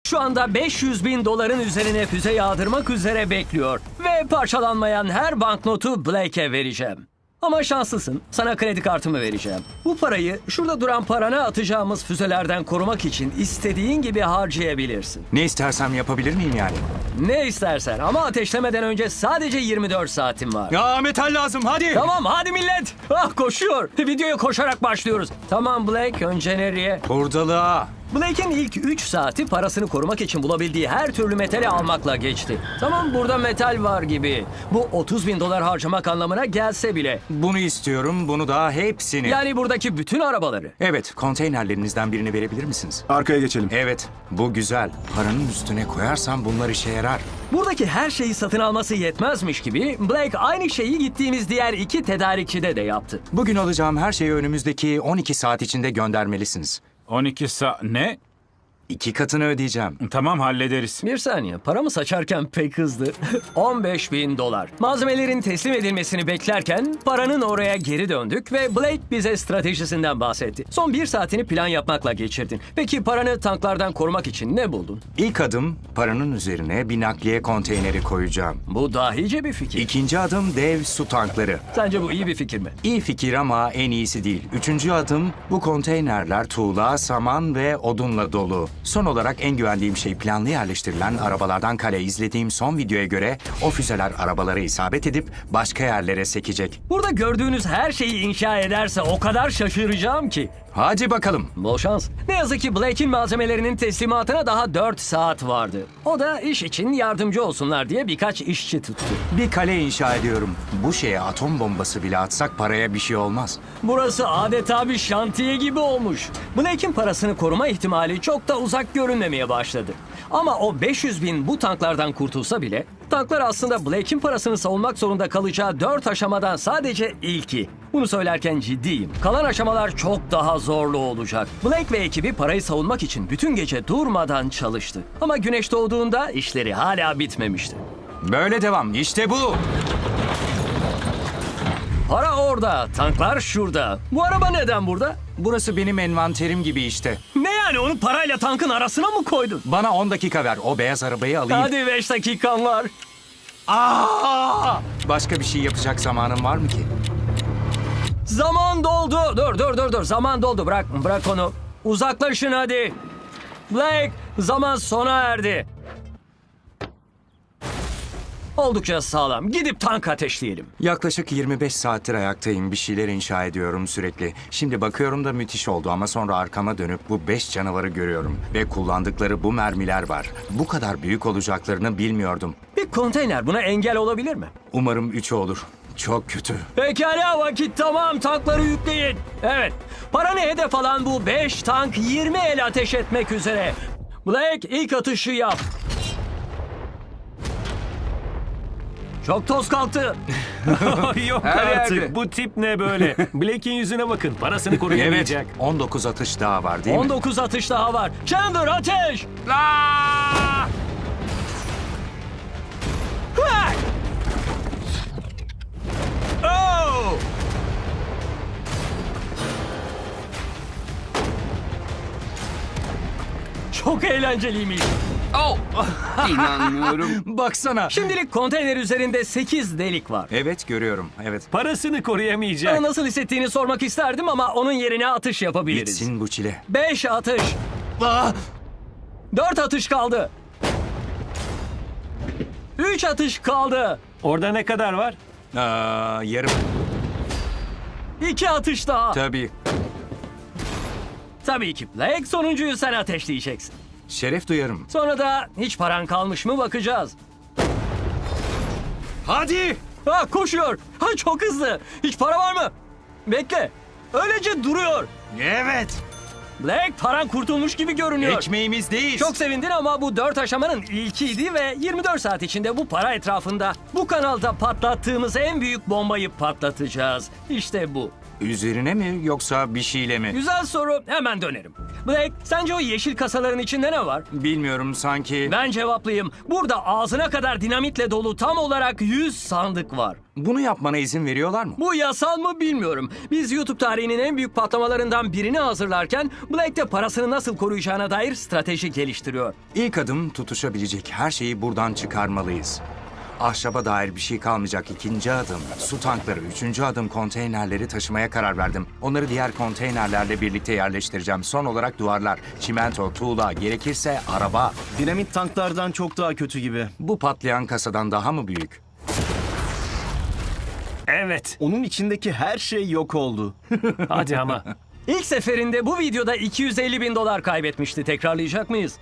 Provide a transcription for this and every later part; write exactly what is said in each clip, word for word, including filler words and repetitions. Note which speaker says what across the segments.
Speaker 1: şu anda beş yüz bin doların üzerine füze yağdırmak üzere bekliyor. Ve parçalanmayan her banknotu Blake'e vereceğim. Ama şanslısın. Sana kredi kartımı vereceğim. Bu parayı şurada duran parana atacağımız füzelerden korumak için istediğin gibi harcayabilirsin.
Speaker 2: Ne istersem yapabilir miyim yani?
Speaker 1: Ne istersen ama ateşlemeden önce sadece yirmi dört saatin var.
Speaker 2: Ya metal lazım hadi.
Speaker 1: Tamam hadi millet. Ah koşuyor. Videoya koşarak başlıyoruz. Tamam Blake, önce nereye?
Speaker 2: Hurdalığa.
Speaker 1: Blake'in ilk üç saati parasını korumak için bulabildiği her türlü metali almakla geçti. Tamam, burada metal var gibi. Bu otuz bin dolar harcamak anlamına gelse bile.
Speaker 2: Bunu istiyorum, bunu da hepsini.
Speaker 1: Yani buradaki bütün arabaları.
Speaker 2: Evet, konteynerlerinizden birini verebilir misiniz?
Speaker 3: Arkaya geçelim.
Speaker 2: Evet, bu güzel. Paranın üstüne koyarsam bunlar işe yarar.
Speaker 1: Buradaki her şeyi satın alması yetmezmiş gibi Blake aynı şeyi gittiğimiz diğer iki tedarikçide de yaptı.
Speaker 2: Bugün alacağım her şeyi önümüzdeki on iki saat içinde göndermelisiniz.
Speaker 4: on iki saat ne?
Speaker 2: İki katını ödeyeceğim.
Speaker 4: Tamam hallederiz.
Speaker 1: Bir saniye, paramı saçarken pek hızlı. on beş bin dolar. Malzemelerin teslim edilmesini beklerken paranın oraya geri döndük ve Blake bize stratejisinden bahsetti. Son bir saatini plan yapmakla geçirdin. Peki paranı tanklardan korumak için ne buldun?
Speaker 2: İlk adım paranın üzerine bir nakliye konteyneri koyacağım.
Speaker 1: Bu dahice bir fikir.
Speaker 2: İkinci adım dev su tankları.
Speaker 1: Sence bu iyi bir fikir mi?
Speaker 2: İyi fikir ama en iyisi değil. Üçüncü adım bu konteynerler tuğla, saman ve odunla dolu. Son olarak en güvendiğim şey planlı yerleştirilen arabalardan kale. İzlediğim son videoya göre o füzeler arabalara isabet edip başka yerlere sekecek.
Speaker 1: Burada gördüğünüz her şeyi inşa ederse o kadar şaşıracağım ki.
Speaker 2: Hadi bakalım.
Speaker 1: Bol şans. Ne yazık ki Blake'in malzemelerinin teslimatına daha dört saat vardı. O da iş için yardımcı olsunlar diye birkaç işçi tuttu.
Speaker 2: Bir kale inşa ediyorum. Bu şeye atom bombası bile atsak paraya bir şey olmaz.
Speaker 1: Burası adeta bir şantiye gibi olmuş. Blake'in parasını koruma ihtimali çok da uzak görünmemeye başladı. Ama o beş yüz bin bu tanklardan kurtulsa bile, tanklar aslında Blake'in parasını savunmak zorunda kalacağı dört aşamadan sadece ilki. Bunu söylerken ciddiyim. Kalan aşamalar çok daha zorlu olacak. Blake ve ekibi parayı savunmak için bütün gece durmadan çalıştı. Ama güneş doğduğunda işleri hala bitmemişti.
Speaker 2: Böyle devam. İşte bu.
Speaker 1: Para orada, tanklar şurada. Bu araba neden burada?
Speaker 2: Burası benim envanterim gibi işte.
Speaker 1: Ne yani, onu parayla tankın arasına mı koydun?
Speaker 2: Bana on dakika ver. O beyaz arabayı alayım.
Speaker 1: Hadi beş dakikan var.
Speaker 2: Aa! Başka bir şey yapacak zamanım var mı ki?
Speaker 1: Zaman doldu. Dur dur dur dur. Zaman doldu. Bırak bırak onu. Uzaklaşın hadi. Blake, zaman sona erdi. Oldukça sağlam. Gidip tank ateşleyelim.
Speaker 2: Yaklaşık yirmi beş saattir ayaktayım. Bir şeyler inşa ediyorum sürekli. Şimdi bakıyorum da müthiş oldu ama sonra arkama dönüp bu beş canavarı görüyorum. Ve kullandıkları bu mermiler var. Bu kadar büyük olacaklarını bilmiyordum.
Speaker 1: Bir konteyner buna engel olabilir mi?
Speaker 2: Umarım üçü olur. Çok kötü.
Speaker 1: Pekala, vakit tamam. Tankları yükleyin. Evet. Paranı hedef alan bu beş tank yirmi el ateş etmek üzere. Blake, ilk atışı yap. Çok toz kalktı.
Speaker 5: Yok
Speaker 2: Her
Speaker 5: artık.
Speaker 2: yerde.
Speaker 5: Bu tip ne böyle? Blake'in yüzüne bakın. Parasını koruyamayacak.
Speaker 2: Evet. on dokuz atış daha var değil mi?
Speaker 1: on dokuz atış daha var. Chandler, ateş!
Speaker 2: Aa!
Speaker 1: Hıh! Oh! Çok eğlenceliymiş.
Speaker 2: İnanmıyorum. Baksana.
Speaker 1: Şimdilik konteyner üzerinde sekiz delik var.
Speaker 2: Evet görüyorum. Evet.
Speaker 5: Parasını koruyamayacak.
Speaker 1: Sana nasıl hissettiğini sormak isterdim ama onun yerine atış yapabiliriz.
Speaker 2: Bitsin bu çile.
Speaker 1: Beş atış.
Speaker 2: Aa!
Speaker 1: Dört atış kaldı. Üç atış kaldı.
Speaker 5: Orada ne kadar var?
Speaker 2: Aa, yarım.
Speaker 1: İki atış daha.
Speaker 2: Tabii.
Speaker 1: Tabii ki Blake, sonuncuyu sen ateşleyeceksin.
Speaker 2: Şeref duyarım.
Speaker 1: Sonra da hiç paran kalmış mı bakacağız.
Speaker 2: Hadi.
Speaker 1: Ha, koşuyor. Ha, çok hızlı. Hiç para var mı? Bekle. Öylece duruyor.
Speaker 2: Evet.
Speaker 1: Blake, paran kurtulmuş gibi görünüyor.
Speaker 2: Ekmeğimizdeyiz.
Speaker 1: Çok sevindin ama bu dört aşamanın ilkiydi ve yirmi dört saat içinde bu para etrafında bu kanalda patlattığımız en büyük bombayı patlatacağız. İşte bu.
Speaker 2: Üzerine mi yoksa bir şeyle mi?
Speaker 1: Güzel soru. Hemen dönerim. Blake, sence o yeşil kasaların içinde ne var?
Speaker 2: Bilmiyorum sanki.
Speaker 1: Ben cevaplayayım. Burada ağzına kadar dinamitle dolu tam olarak yüz sandık var.
Speaker 2: Bunu yapmana izin veriyorlar mı?
Speaker 1: Bu yasal mı bilmiyorum. Biz YouTube tarihinin en büyük patlamalarından birini hazırlarken Blake de parasını nasıl koruyacağına dair strateji geliştiriyor.
Speaker 2: İlk adım tutuşabilecek her şeyi buradan çıkarmalıyız. Ahşaba dair bir şey kalmayacak. İkinci adım su tankları. Üçüncü adım konteynerleri taşımaya karar verdim. Onları diğer konteynerlerle birlikte yerleştireceğim. Son olarak duvarlar, çimento, tuğla, gerekirse araba.
Speaker 3: Dinamit tanklardan çok daha kötü gibi.
Speaker 2: Bu patlayan kasadan daha mı büyük?
Speaker 5: Evet.
Speaker 3: Onun içindeki her şey yok oldu.
Speaker 5: Hadi ama.
Speaker 1: İlk seferinde bu videoda iki yüz elli bin dolar kaybetmişti. Tekrarlayacak mıyız?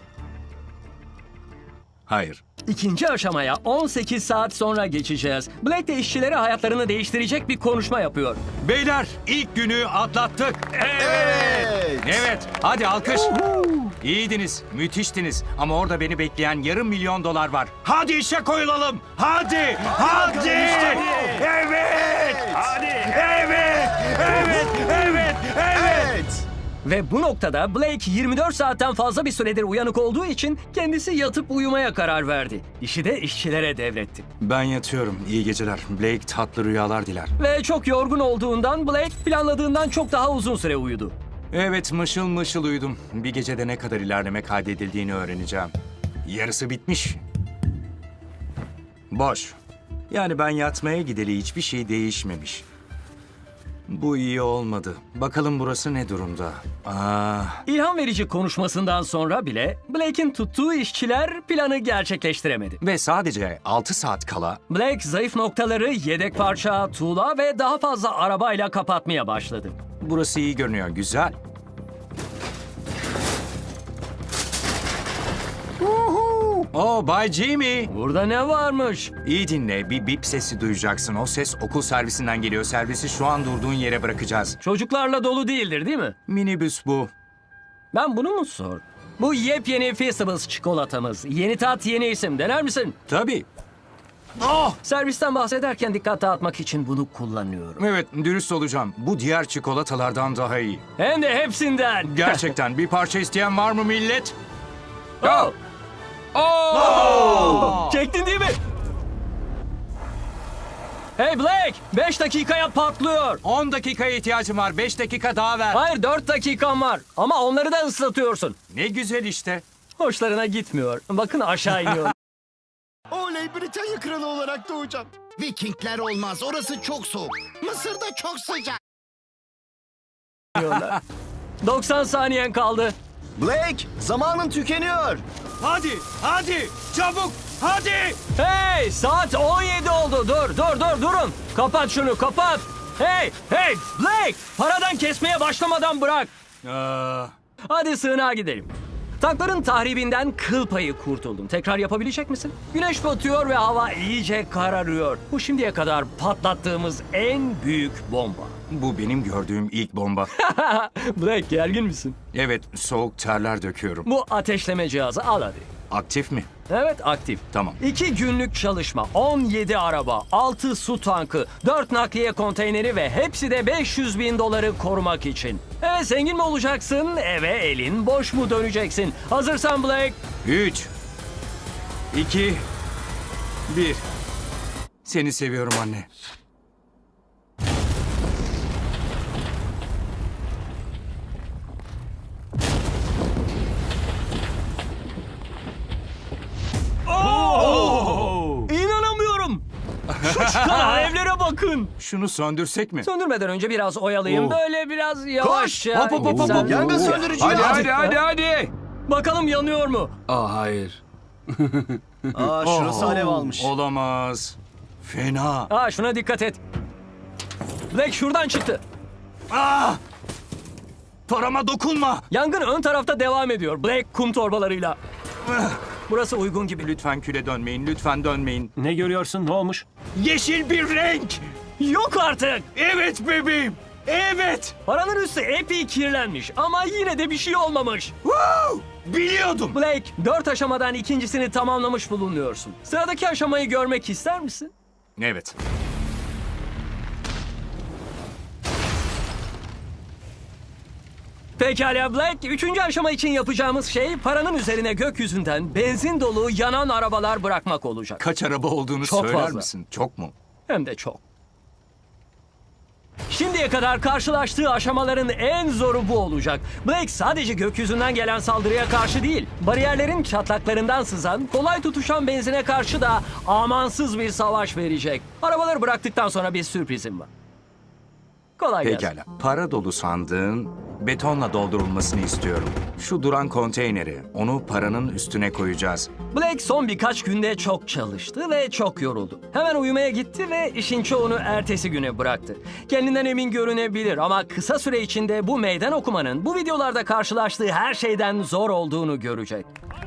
Speaker 2: Hayır.
Speaker 1: İkinci aşamaya on sekiz saat sonra geçeceğiz. Blake de işçilere hayatlarını değiştirecek bir konuşma yapıyor.
Speaker 2: Beyler ilk günü atlattık.
Speaker 3: Evet.
Speaker 2: Evet, hadi alkış. İyiydiniz, müthiştiniz. Ama orada beni bekleyen yarım milyon dolar var. Hadi işe koyulalım. Hadi, hadi. Evet.
Speaker 5: Hadi.
Speaker 2: Evet, evet, evet, evet.
Speaker 1: Ve bu noktada Blake yirmi dört saatten fazla bir süredir uyanık olduğu için kendisi yatıp uyumaya karar verdi. İşi de işçilere devretti.
Speaker 2: Ben yatıyorum. İyi geceler. Blake tatlı rüyalar diler.
Speaker 1: Ve çok yorgun olduğundan Blake planladığından çok daha uzun süre uyudu.
Speaker 2: Evet, mışıl mışıl uyudum. Bir gecede ne kadar ilerleme kaydedildiğini öğreneceğim. Yarısı bitmiş. Boş. Yani ben yatmaya gideli hiçbir şey değişmemiş. Bu iyi olmadı. Bakalım burası ne durumda? Aa,
Speaker 1: İlham verici konuşmasından sonra bile Blake'in tuttuğu işçiler planı gerçekleştiremedi.
Speaker 2: ve sadece altı saat kala
Speaker 1: Blake zayıf noktaları yedek parça, tuğla ve daha fazla arabayla kapatmaya başladı.
Speaker 2: burası iyi görünüyor. Güzel. Oh, Bay Jimmy.
Speaker 1: Burada ne varmış?
Speaker 2: İyi dinle. Bir bip sesi duyacaksın. O ses okul servisinden geliyor. Servisi şu an durduğun yere bırakacağız.
Speaker 1: Çocuklarla dolu değildir değil mi?
Speaker 2: Minibüs bu.
Speaker 1: Ben bunu mu sor? Bu yepyeni Feastables çikolatamız. Yeni tat, yeni isim. Dener misin?
Speaker 2: Tabii.
Speaker 1: Servisten bahsederken dikkat dağıtmak için bunu kullanıyorum.
Speaker 2: Evet, dürüst olacağım. Bu diğer çikolatalardan daha iyi.
Speaker 1: Hem de hepsinden.
Speaker 2: Gerçekten bir parça isteyen var mı millet?
Speaker 1: Oh!
Speaker 2: Oh!
Speaker 1: Çektin değil mi? Hey Blake! Beş dakikaya patlıyor.
Speaker 2: on dakikaya ihtiyacım var. beş dakika daha ver.
Speaker 1: Hayır dört dakikan var. Ama onları da ıslatıyorsun.
Speaker 2: Ne güzel işte.
Speaker 1: Hoşlarına gitmiyor. Bakın aşağı iniyor.
Speaker 6: Oley, Britanya kralı olarak doğacağım. Vikingler olmaz, orası çok soğuk. Mısır'da çok sıcak.
Speaker 1: doksan saniyen kaldı.
Speaker 3: Blake, zamanın tükeniyor.
Speaker 2: Hadi, hadi, çabuk, hadi.
Speaker 1: Hey saat on yedi oldu. Dur dur dur durun. Kapat şunu kapat. Hey hey Blake! Paradan kesmeye başlamadan bırak.
Speaker 2: Aa,
Speaker 1: Hadi sığınağa gidelim. Tankların tahribinden kıl payı kurtuldum. Tekrar yapabilecek misin? Güneş batıyor ve hava iyice kararıyor. Bu şimdiye kadar patlattığımız en büyük bomba.
Speaker 2: bu benim gördüğüm ilk bomba.
Speaker 1: Blake gergin misin?
Speaker 2: Evet, soğuk terler döküyorum.
Speaker 1: Bu ateşleme cihazı al hadi.
Speaker 2: Aktif mi?
Speaker 1: Evet aktif.
Speaker 2: Tamam.
Speaker 1: İki günlük çalışma, on yedi araba, altı su tankı, dört nakliye konteyneri ve hepsi de beş yüz bin doları korumak için. Evet zengin mi olacaksın, eve elin boş mu döneceksin? Hazırsan Blake.
Speaker 2: Üç, iki, bir. Seni seviyorum anne.
Speaker 1: İnanamıyorum. Şu çıkan alevlere bakın.
Speaker 2: Şunu söndürsek mi?
Speaker 1: Söndürmeden önce biraz oyalayayım.
Speaker 2: Oo.
Speaker 1: Böyle biraz yavaşça.
Speaker 2: Hop, hop, hop, hop,
Speaker 1: Sen-
Speaker 2: hop.
Speaker 3: Yangın söndürücü
Speaker 2: Hadi,
Speaker 3: al.
Speaker 2: hadi, hadi, hadi.
Speaker 1: Bakalım yanıyor mu?
Speaker 7: Aa hayır.
Speaker 3: Aa, şurası alev almış.
Speaker 2: Olamaz. Fena.
Speaker 1: Aa şuna dikkat et. Blake şuradan çıktı.
Speaker 2: Parama dokunma.
Speaker 1: Yangın ön tarafta devam ediyor. Blake kum torbalarıyla. Burası uygun gibi.
Speaker 2: Lütfen küle dönmeyin, lütfen dönmeyin.
Speaker 5: Ne görüyorsun? Ne olmuş?
Speaker 2: Yeşil bir renk.
Speaker 1: Yok artık.
Speaker 2: Evet bebeğim. Evet.
Speaker 1: Paranın üstü epey kirlenmiş ama yine de bir şey olmamış.
Speaker 2: Woo! Biliyordum.
Speaker 1: Blake, dört aşamadan ikincisini tamamlamış bulunuyorsun. Sıradaki aşamayı görmek ister misin?
Speaker 2: Evet.
Speaker 1: Pekala Black, üçüncü aşama için yapacağımız şey paranın üzerine gökyüzünden benzin dolu yanan arabalar bırakmak olacak.
Speaker 2: Kaç araba olduğunu
Speaker 1: Çok
Speaker 2: söyler
Speaker 1: fazla.
Speaker 2: misin? Çok mu?
Speaker 1: Hem de çok. Şimdiye kadar karşılaştığı aşamaların en zoru bu olacak. Blake sadece gökyüzünden gelen saldırıya karşı değil, bariyerlerin çatlaklarından sızan, kolay tutuşan benzine karşı da amansız bir savaş verecek. Arabaları bıraktıktan sonra bir sürprizim var. Kolay gelsin.
Speaker 2: Pekala. Para dolu sandığın betonla doldurulmasını istiyorum. Şu duran konteyneri, onu paranın üstüne koyacağız.
Speaker 1: Blake son birkaç günde çok çalıştı ve çok yoruldu. Hemen uyumaya gitti ve işin çoğunu ertesi güne bıraktı. Kendinden emin görünebilir ama kısa süre içinde bu meydan okumanın bu videolarda karşılaştığı her şeyden zor olduğunu görecek.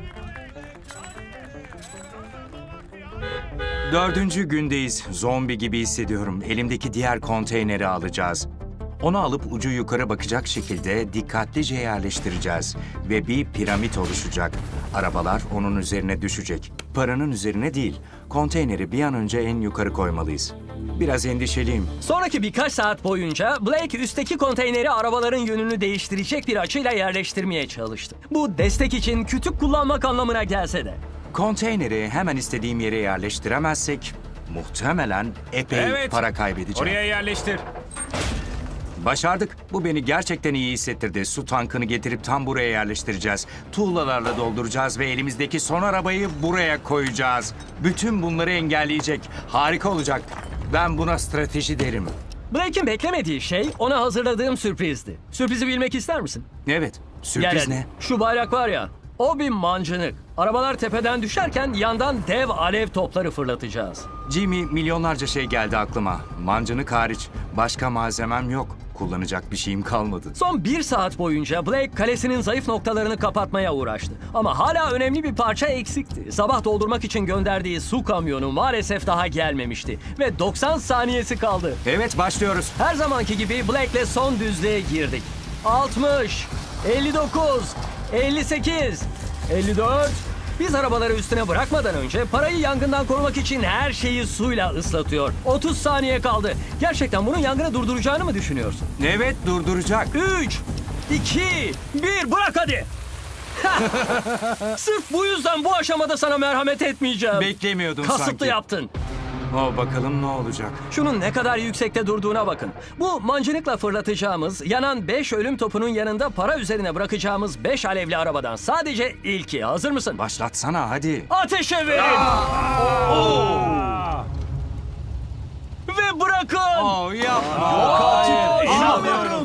Speaker 2: Dördüncü gündeyiz. Zombi gibi hissediyorum. Elimdeki diğer konteyneri alacağız. Onu alıp ucu yukarı bakacak şekilde dikkatlice yerleştireceğiz. Ve bir piramit oluşacak. Arabalar onun üzerine düşecek. Paranın üzerine değil. Konteyneri bir an önce en yukarı koymalıyız. Biraz endişeliyim.
Speaker 1: Sonraki birkaç saat boyunca Blake üstteki konteyneri arabaların yönünü değiştirecek bir açıyla yerleştirmeye çalıştı. Bu destek için kütük kullanmak anlamına gelse de.
Speaker 2: Konteyneri hemen istediğim yere yerleştiremezsek muhtemelen epey
Speaker 4: Evet.
Speaker 2: para kaybedeceğim.
Speaker 4: Oraya yerleştir.
Speaker 2: Başardık. Bu beni gerçekten iyi hissettirdi. Su tankını getirip tam buraya yerleştireceğiz. Tuğlalarla dolduracağız ve elimizdeki son arabayı buraya koyacağız. Bütün bunları engelleyecek. Harika olacak. Ben buna strateji derim.
Speaker 1: Blake'in beklemediği şey ona hazırladığım sürprizdi. Sürprizi bilmek ister misin?
Speaker 2: Evet.
Speaker 1: Gel
Speaker 2: Sürpriz
Speaker 1: hadi.
Speaker 2: ne?
Speaker 1: Şu bayrak var ya, o bir mancınık. Arabalar tepeden düşerken yandan dev alev topları fırlatacağız.
Speaker 2: Jimmy, milyonlarca şey geldi aklıma. Mancınık hariç. Başka malzemem yok. Kullanacak bir şeyim kalmadı.
Speaker 1: Son bir saat boyunca Blake kalesinin zayıf noktalarını kapatmaya uğraştı. Ama hala önemli bir parça eksikti. Sabah doldurmak için gönderdiği su kamyonu maalesef daha gelmemişti. Ve doksan saniyesi kaldı.
Speaker 2: Evet, başlıyoruz.
Speaker 1: Her zamanki gibi Blake'le son düzlüğe girdik. altmış, elli dokuz, elli sekiz, elli dört... Biz arabaları üstüne bırakmadan önce parayı yangından korumak için her şeyi suyla ıslatıyor. otuz saniye kaldı. Gerçekten bunun yangını durduracağını mı düşünüyorsun?
Speaker 2: Evet, durduracak.
Speaker 1: üç, iki, bir, bırak hadi. Sırf bu yüzden bu aşamada sana merhamet etmeyeceğim.
Speaker 2: Beklemiyordun
Speaker 1: Kasıtlı
Speaker 2: sanki.
Speaker 1: yaptın.
Speaker 2: O bakalım ne olacak.
Speaker 1: Şunun ne kadar yüksekte durduğuna bakın. Bu mancınıkla fırlatacağımız, yanan beş ölüm topunun yanında para üzerine bırakacağımız beş alevli arabadan sadece ilki. Hazır mısın?
Speaker 2: Başlatsana hadi.
Speaker 1: Ateşe verin! Ve bırakın!
Speaker 2: Oh, yapma.
Speaker 5: Hayır, inanmıyorum.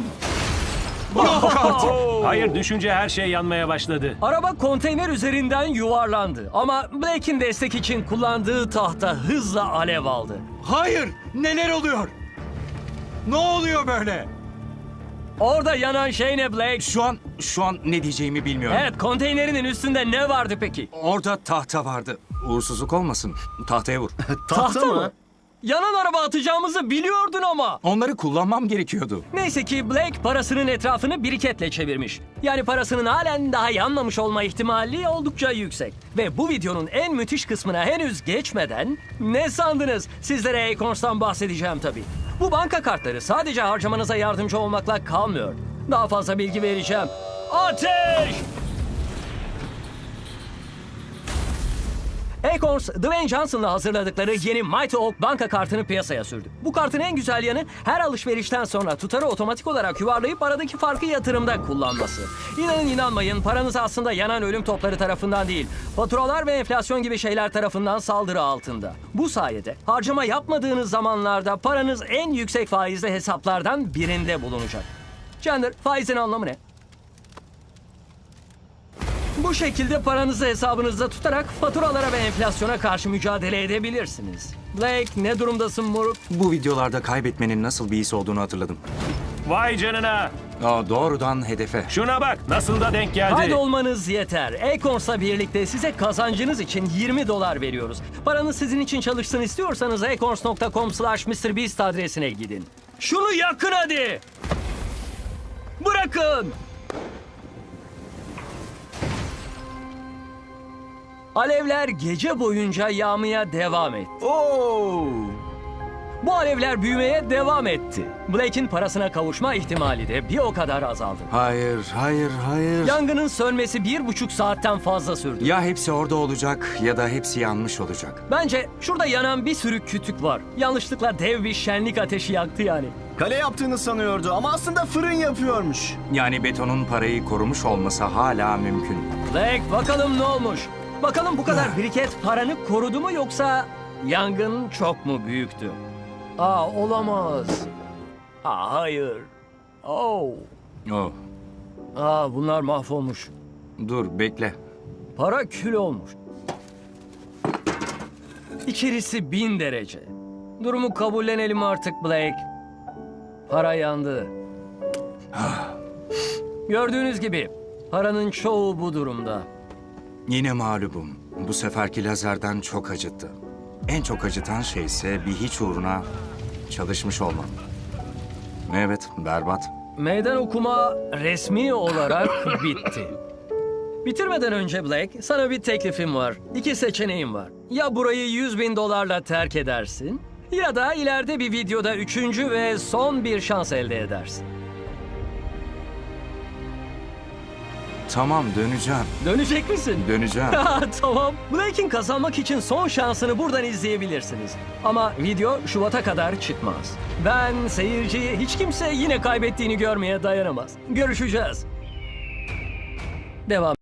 Speaker 2: Oh.
Speaker 5: Hayır, düşünce her şey yanmaya başladı.
Speaker 1: Araba konteyner üzerinden yuvarlandı. Ama Blake'in destek için kullandığı tahta hızla alev aldı.
Speaker 2: Hayır, neler oluyor? Ne oluyor böyle?
Speaker 1: Orada yanan şey ne Blake?
Speaker 2: Şu an, şu an ne diyeceğimi bilmiyorum.
Speaker 1: Evet, konteynerinin üstünde ne vardı peki?
Speaker 2: Orada tahta vardı. Uğursuzluk olmasın. Tahtaya vur.
Speaker 1: Tahta mı? Yanan araba atacağımızı biliyordun ama.
Speaker 2: Onları kullanmam gerekiyordu.
Speaker 1: Neyse ki Blake parasının etrafını biriketle çevirmiş. Yani parasının halen daha yanmamış olma ihtimali oldukça yüksek. Ve bu videonun en müthiş kısmına henüz geçmeden ne sandınız? Sizlere Acorns'tan bahsedeceğim tabii. Bu banka kartları sadece harcamanıza yardımcı olmakla kalmıyor. Daha fazla bilgi vereceğim. Ateş! Acorns, Dwayne Johnson'la hazırladıkları yeni Mighty Oak banka kartını piyasaya sürdü. Bu kartın en güzel yanı her alışverişten sonra tutarı otomatik olarak yuvarlayıp aradaki farkı yatırımda kullanması. İnanın inanmayın, paranız aslında yanan ölüm topları tarafından değil, faturalar ve enflasyon gibi şeyler tarafından saldırı altında. Bu sayede harcama yapmadığınız zamanlarda paranız en yüksek faizli hesaplardan birinde bulunacak. Chandler, faizin anlamı ne? Bu şekilde paranızı hesabınızda tutarak faturalara ve enflasyona karşı mücadele edebilirsiniz. Blake, ne durumdasın moruk?
Speaker 2: Bu videolarda kaybetmenin nasıl bir his olduğunu hatırladım.
Speaker 5: Vay canına.
Speaker 2: Aa, doğrudan hedefe.
Speaker 5: Şuna bak, nasıl da denk geldi.
Speaker 1: Kaydolmanız yeter. Acorns'la birlikte size kazancınız için yirmi dolar veriyoruz. Paranız sizin için çalışsın istiyorsanız acorns nokta com slash mister beast adresine gidin. Şunu yakın hadi! Bırakın! Alevler gece boyunca yağmaya devam etti.
Speaker 3: Oo!
Speaker 1: Bu alevler büyümeye devam etti. Blake'in parasına kavuşma ihtimali de bir o kadar azaldı.
Speaker 2: Hayır, hayır, hayır.
Speaker 1: Yangının sönmesi bir buçuk saatten fazla sürdü.
Speaker 2: Ya hepsi orada olacak ya da hepsi yanmış olacak.
Speaker 1: Bence şurada yanan bir sürü kütük var. Yanlışlıkla dev bir şenlik ateşi yaktı yani.
Speaker 3: Kale yaptığını sanıyordu ama aslında fırın yapıyormuş.
Speaker 2: Yani betonun parayı korumuş olması hala mümkün.
Speaker 1: Blake bakalım ne olmuş? Bakalım bu kadar biriket paranı korudu mu yoksa yangın çok mu büyüktü? Aa olamaz. Aa hayır. Oh.
Speaker 2: Oh,
Speaker 1: Aa bunlar mahvolmuş.
Speaker 2: dur bekle.
Speaker 1: Para kül olmuş. İçerisi bin derece. Durumu kabullenelim artık Blake. Para yandı. Gördüğünüz gibi paranın çoğu bu durumda.
Speaker 2: Yine mağlubum. Bu seferki lazerden çok acıttı. En çok acıtan şey ise bir hiç uğruna çalışmış olmam. Evet, berbat.
Speaker 1: Meydan okuma resmi olarak bitti. Bitirmeden önce Blake, sana bir teklifim var. İki seçeneğin var. Ya burayı yüz bin dolarla terk edersin ya da ileride bir videoda üçüncü ve son bir şans elde edersin.
Speaker 2: Tamam, döneceğim.
Speaker 1: Dönecek misin?
Speaker 2: Döneceğim.
Speaker 1: Ha, tamam. Blake'in kazanmak için son şansını buradan izleyebilirsiniz. Ama video Şubat'a kadar çıkmaz. Ben seyirciyi hiç kimse yine kaybettiğini görmeye dayanamaz. Görüşeceğiz. Devam.